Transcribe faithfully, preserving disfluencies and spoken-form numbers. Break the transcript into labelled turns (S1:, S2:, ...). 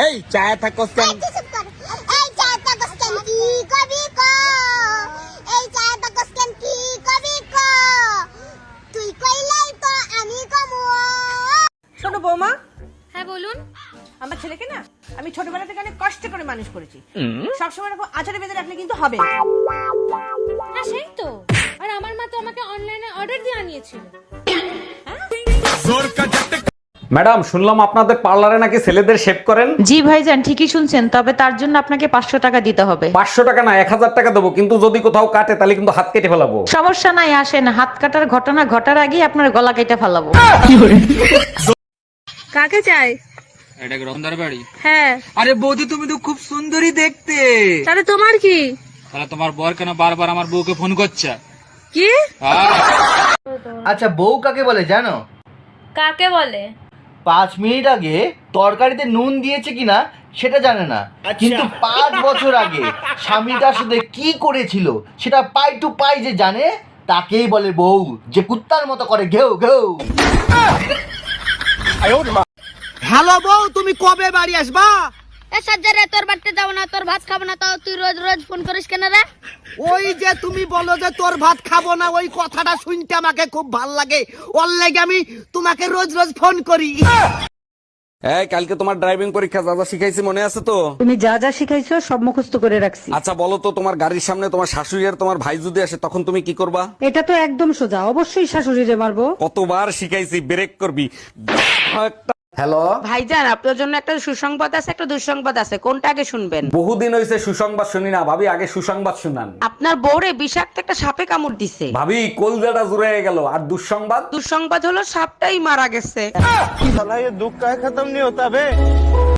S1: এই চায় থাকো কেন?
S2: এই চুপ কর। এই চায় থাকো কেন কি কবি ক? এই চায় থাকো কেন কি কবি ক? তুই কইলাই তো আমি কমু।
S3: শোনো বৌমা,
S4: হ্যাঁ বলুন।
S3: আমার ছেলেকে না আমি ছোটবেলা থেকে অনেক কষ্ট করে মানুষ করেছি। সবসময় এরকম আচারে বেঁধে রাখলে কিন্তু হবে না।
S4: হ্যাঁ সেই তো। আর আমার মা তো আমাকে অনলাইনে অর্ডার দিয়ে আনিয়েছিল।
S5: ম্যাডাম, শুনলাম আপনাদের পার্লারে নাকি ছেলেদের শেভ করেন।
S6: জি ভাইজান, ঠিকই শুনছেন, তবে তার জন্য আপনাকে পাঁচশো টাকা দিতে হবে।
S5: পাঁচশো টাকা না, এক হাজার টাকা দেবো, কিন্তু যদি কোথাও কাটে তাহলে কিন্তু হাত কেটে ফেলাবো।
S6: সমস্যা নাই, আসেন, হাত কাটার ঘটনা ঘটার আগেই আপনার গলা কেটে ফেলাবো।
S3: কাকে চাই?
S7: এটা কি রতনদার বাড়ি?
S3: হ্যাঁ।
S7: আরে বৌদি, তুমি তো খুব সুন্দরী দেখতে।
S3: তাহলে তোমার কি?
S7: তাহলে তোমার বর কেন বারবার আমার বউকে ফোন করছে?
S3: কি?
S8: আচ্ছা, বউ কাকে বলে জানো?
S4: কাকে বলে?
S8: পাঁচ মিনিট আগে তরকারিতে নুন দিয়েছে কিনা সেটা জানে না, কিন্তু পাঁচ বছর আগে স্বামীটার সাথে কি করেছিল সেটা পাই টু পাই যে জানে, তাকেই বলে বউ, যে কুত্তার মতো করে ঘেউ ঘেউ।
S1: হ্যালো বউ, তুমি কবে বাড়ি আসবা?
S2: এ সজ্জারে তোর বাড়িতে যাব না, তোর ভাত খাবো না, তাও তুই রোজ রোজ ফোন করিস কেন রে?
S1: ওই যে তুমি বলো যে তোর ভাত খাবো না, ওই কথাটা শুনতে আমাকে খুব ভাল লাগে, ওর লাগে আমি তোমাকে রোজ রোজ ফোন করি।
S5: এই, কালকে তোমার ড্রাইভিং পরীক্ষা যা যা শিখাইছি মনে আছে তো?
S6: তুমি যা যা শিখাইছো সব মুখস্থ করে রাখছি।
S5: আচ্ছা বলো তো, তোমার গাড়ির সামনে তোমার শাশুড়ি আর তোমার ভাই যদি আসে তখন তুমি কি করবা?
S6: এটা তো একদম সোজা, অবশ্যই শাশুড়িরে মারবো।
S5: কতবার শিখাইছি, ব্রেক করবি। হ্যালো
S9: ভাইজান, আপনার জন্য একটা সুসংবাদ আছে, একটা দুঃসংবাদ আছে, কোনটা আগে শুনবেন?
S5: বহুদিন হয়েছে সুসংবাদ শুনি না, ভাবি আগে সুসংবাদ শুনান।
S9: আপনার বউরে বিষাক্ত একটা সাপে কামড় দিছে।
S5: ভাবি কলজাটা জুড়ে গেল। আর দুঃসংবাদ?
S9: দুঃসংবাদ হলো সাপটাই মারা গেছে।